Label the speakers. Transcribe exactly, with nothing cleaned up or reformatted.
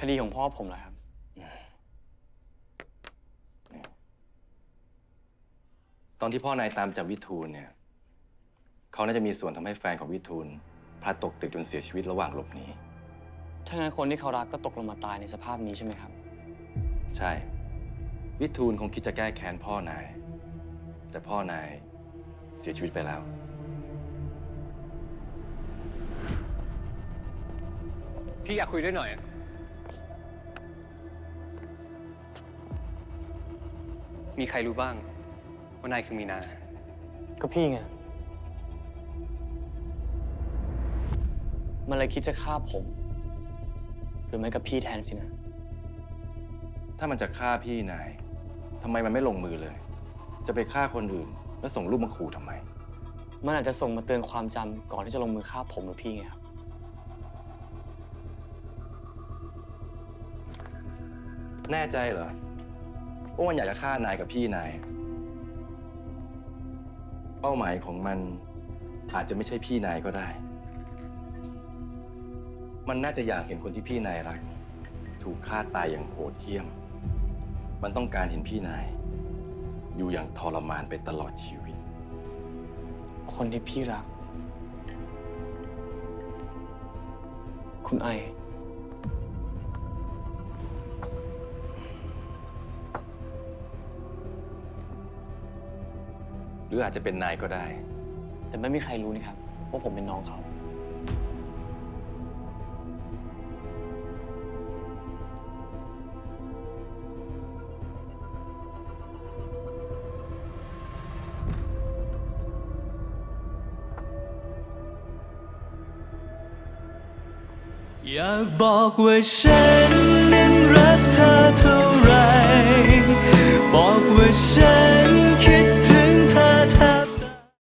Speaker 1: ดีของพ่อผมเหรอครับ
Speaker 2: ตอนที่พ่อนายตามจับวิทูลเนี่ยเขาน่าจะมีส่วนทำให้แฟนของวิทูลพลัดตกตึกจนเสียชีวิตระหว่างหลบหนี
Speaker 1: ถ้างั้นคนที่เขารักก็ตกลงมาตายในสภาพนี้ใช่ไหมครับ
Speaker 2: ใช่วิทูลคงคิดจะแก้แค้นพ่อนายแต่พ่อนายเสียชีวิตไปแล้ว
Speaker 3: พี่อยากคุยด้วยหน่อยมีใครรู้บ้างว่านายคือมีนา
Speaker 1: ก็พี่ไงมันเลยคิดจะฆ่าผมหรือไม่ก็พี่แทนสินะ
Speaker 2: ถ้ามันจะฆ่าพี่นายทำไมมันไม่ลงมือเลย จะไปฆ่าคนอื่นแล้วส่งรูปมาขู่ทำไม
Speaker 1: มันอาจจะส่งมาเตือนความจำก่อนที่จะลงมือฆ่าผมหรือพี่ไงครับ
Speaker 2: แน่ใจเหรอว่ามันอยากจะฆ่านายกับพี่นายเป้าหมายของมันอาจจะไม่ใช่พี่นายก็ได้มันน่าจะอยากเห็นคนที่พี่นายรักถูกฆ่าตายอย่างโหดเหี้ยมมันต้องการเห็นพี่นายอยู่อย่างทรมานไปตลอดชีวิต
Speaker 1: คนที่พี่รักคุณไอ
Speaker 2: หรืออาจจะเป็นนายก็ได้
Speaker 1: แต่ไม่มีใครรู้นี่ครับว่าผมเป็นน้องเขา
Speaker 4: อยากบอกว่าฉัน